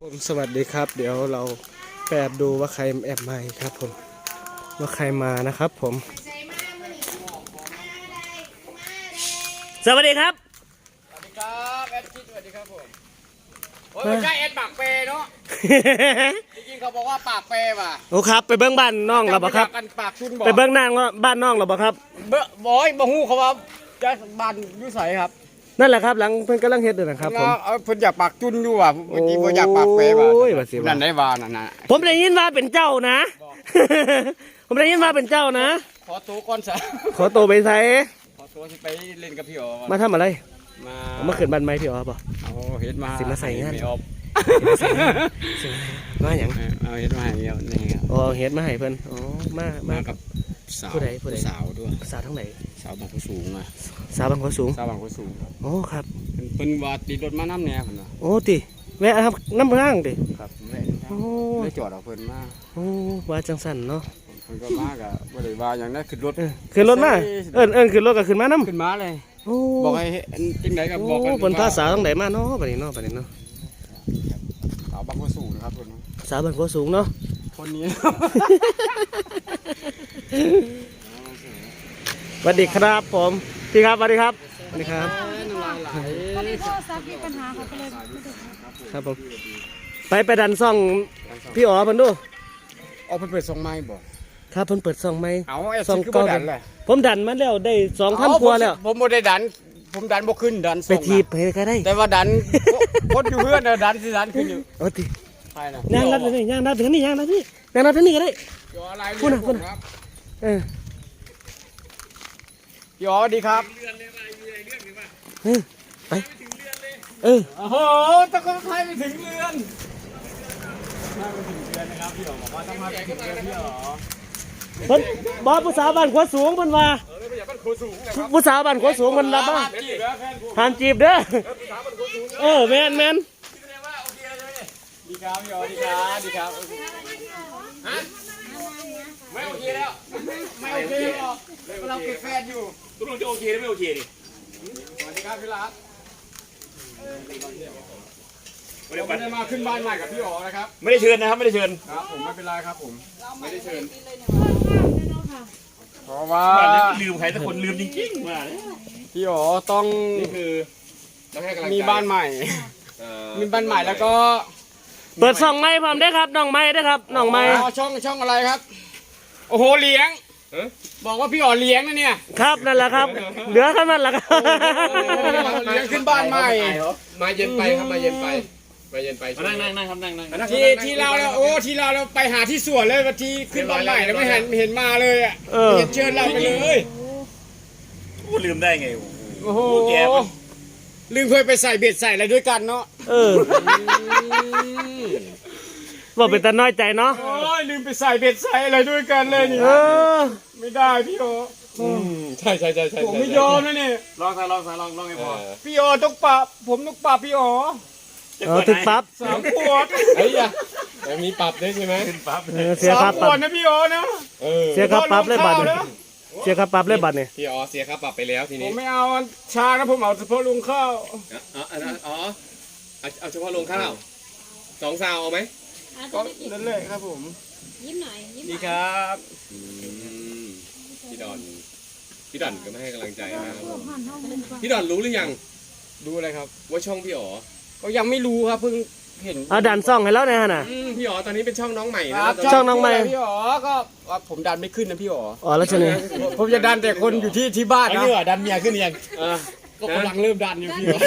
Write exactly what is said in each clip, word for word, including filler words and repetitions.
ผมสวัสดีครับเดี๋ยวเราแอบดูว่าใครแอบมาครับผมว่าใครมานะครับผมสวัสดีครับสวัสดีครับแอดคิดสวัสดีครับผมโอ้ยไม่ใช่แอดปากเปเนาะจริงๆเขาบอกว่าปากเปว่ะโอ้ครับไปเบิ้งบ้านน้องเราบ่ครับปากชุนบอกไปเบิ้งนางบ้านน้องเราบ่ครับเบ้อบอยบ่ฮู้เขาว่าจะบ้านอยู่ไสครับนั่นแหละครับหลังเพิ่นกำลังเฮ็ดอยู่นะครับผมเอาเพิ่นอยากปากจุนอยู่ว่ะเมื่อกี้บ่อยากปากเปว่ะนั่นได้ว่านั่นน่ะผมได้ยินว่าเป็นเจ้านะผมได้ยินว่าเป็นเจ้านะขอตัวก่อนซะขอตัวไปใส่ขอตัวสิไปเล่นกับพี่อ๋อมาทำอะไรมามาขึ้นบ้านไม้พี่อ๋อป่ะเอาเฮ็ดมาสิมาใส่งานมาหยังเอาเฮ็ดมาให้เดียวนี่ครับอ๋อเฮ็ดมาให้เพิ่นอ๋อมามากับสาวผู้ใดผู้ใดสาวด้วยสาวทั้งไหนสาวบางผู้สูงอ่ะสาวบางผู้สูงสาวบางผู้สูงโอ้ครับเพิ่นว่าติดรถมาน้ำแน่เพิ่นว่าโอ้ติแวะครับน้ำร่างติครับแม่โอ้ได้จอดเอาเพิ่นมาโอ้ว่าจังสั่นเนาะเพิ่นก็มาก็บ่ได้ว่าหยังได้ขึ้นรถขึ้นรถมาเอิ้นเอิ้นขึ้นรถก็ขึ้นมานํขึ้นมาเลยโอ้บอกให้จังได๋ก็บอกกันเพิ่นพาสาวทั้งไหนมาเนาะบัดนี้เนาะบัดนี้เนาะสาวบางผู้สูงนะครับเพิ่นสาวบางผู้สูงเนาะคนนี้สวัสดีครับผมพี่ครับสวัสดีครับสวัสดีครับก็เลยโทรศัพท์มีปัญหาเขาก็เลยครับผมไปไปดันซ่องพี่อ๋อเพิ่นดูอ๋อเพิ่นเปิดซ่องไม้บ่ครับเพิ่นเปิดซ่องไม้เอาซ่องคือบ่ดันเลยผมดันมาแล้วได้ สองพัน กว่าแล้วผมบ่ได้ดันผมดันบ่ขึ้นดันซ่องไปทีบไปก็ได้แต่ว่าดันคนอยู่เพื่อนน่ะดันสิดันขึ้นอยู่โอ้ติใช่น่ะย่างนัดนี่ย่างนัดถึงนี่ย่างนัดนี่ย่างนัดถึงนี่ก็ได้ยออะไรคุณน่ะคุณเออพี่อ๋อดีครับเออไปเออโอ้โหตะโกนไทยไปถึงเรือนมาไปถึงเรือนนะครับพี่อ๋อบอกว่าต้องมาไปถึงเรือนพี่อ๋อเพิ่นบ่ผู้สาวบ้านขวสูงเพิ่นว่าเออไม่อยากบ้านโคสูงนะครับผู้สาวบ้านขวสูงเพิ่นรับบ่ห้ามจีบเด้อเออแม่นแม่นดีครับพี่อ๋อดีครับดีครับฮะไม่โอเคแล้วไม่โอเคหรอกเราเป็นแฟนอยู่ตกลงจะโอเคหรือไม่โอเคดิสวัสดีครับพี่รัตวันนี้มาขึ้นบ้านใหม่กับพี่อ๋อนะครับไม่ได้เชิญนะครับไม่ได้เชิญครับผมไม่เป็นไรครับผมไม่ได้เชิญเพราะว่าลืมใครสักคนลืมจริงๆมาพี่อ๋อต้องนี่คือมีบ้านใหม่มีบ้านใหม่แล้วก็เปิดช่องไม้พร้อมได้ครับน้องไม้ได้ครับน้องไม้ช่องช่องอะไรครับโอ้โหเลี้ยงบอกว่าพี่อ๋อเลี้ยงนะเนี่ยครับนั่นแหละครับเหลือแค่นั้นแหละครับเลี้ยงขึ้นบ้านใหม่มาเย็นไปครับมาเย็นไปมาเย็นไปนั่งนั่งนั่งครับนั่งนั่งที่ที่เราแล้วโอ้ที่เราเราไปหาที่สวนเลยวันที่ขึ้นบ้านใหม่แล้วไม่เห็นเห็นมาเลยอ่ะเห็นเชิญเราไปเลยโอ้ลืมได้ไงโอ้โหลืมเคยไปใส่เบ็ดใส่อะไรด้วยกันเนาะเออว่าเป็นตาน้อยใจเนาะโอ้ยลืมไปใส่เบ็ดใส่อะไรด้วยกันเลยนี่ไม่ได้พี่โอใช่ใช่ใช่ใช่ผมไม่ยอมนะนี่ลองซะลองซะลองลองให้พอพี่โอต้องปรับผมต้องปรับพี่โอเออถึงปรับสามขวดไอ้ยะแต่มีปรับด้วยใช่ไหมขึ้นปรับเสียค่าปรับนะพี่โอนะเสียค่าปรับเลยบัตรเสียค่าปรับเลยบัตรเนี่ยพี่อ๋อเสียค่าปรับไปแล้วทีนี้ผมไม่เอาชานะผมเอาเฉพาะลุงข้าวอ๋ออ๋อเอาเฉพาะลงข้าวสองซาวเอาไหมก็นั่นเลยครับผมยิ้มหน่อยยิ้มดีครับพี่ดอนพี่ดอนก็ไม่ให้กำลังใจนะครับพี่ดอนรู้หรือยังดูอะไรครับว่าช่องพี่อ๋อก็ยังไม่รู้ครับเพิ่งเห็นเอาดันซ่องให้แล้วนะฮะน่ะพี่อ๋อตอนนี้เป็นช่องน้องใหม่นะครับช่องน้องใหม่พี่อ๋อก็ผมดันไม่ขึ้นนะพี่อ๋ออ๋อแล้วใช่ไหมผมจะดันแต่คนอยู่ที่ที่บ้านนะพี่อ๋อดันเมียขึ้นยังก็กำลังเริ่มดันอยู่พี่อ๋อ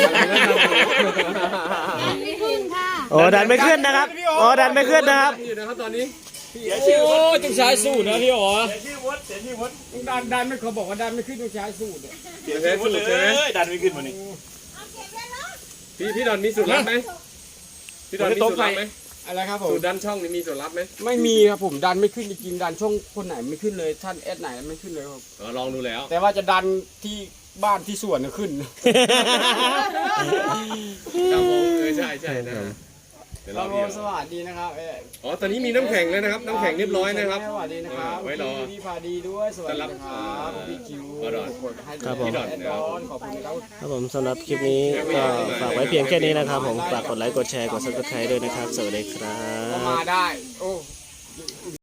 ดันไม่ขึ้นค่ะโอ้ดันไม่ขึ้นนะครับอ๋อดันไม่ขึ้นนะครับอยู่นะครับตอนนี้เสียชื่อโอ้ต้องใช้สูตรนะพี่อ๋อเสียชื่อวดเสียชื่อวดดันดันไม่เขาบอกว่าดันไม่ขึ้นต้องใช้สูตรเสียชื่อวดเลยดันไม่ขึ้นวันนี้พี่พี่ดอนมีสูตรลับไหมพี่ดอนมีสูตรลับไหมอะไรครับผมสูตรดันช่องนี่มีสูตรลับไหมไม่มีครับผมดันไม่ขึ้นจริงๆดันช่องคนไหนไม่ขึ้นเลยท่านแอดไหนไม่ขึ้นเลยครับลองดูแล้วแต่ว่าจะดันที่บ้านที่สวนขึ้นครับผมเออใช่ใช่นะเดี๋ยวครรัอบ พี่ผมสวัสดีนะครับเอ๊ะอ๋อตอนนี้มีน้ำแข็งแล้วนะครับน้ำแข็งเรียบร้อยนะครับสวัสดีนะครับไว้รอพี่พาดีด้วยสวัสดีนะครับพี่คิวขอดอนครับผมแอดดอนขอบคุณครับครับผมสำหรับคลิปนี้ก็ฝากไว้เพียงแค่นี้นะครับผมฝากกดไลค์กดแชร์กดซับสไครต์ด้วยนะครับสวัสดีครัก็บมาได้โอ้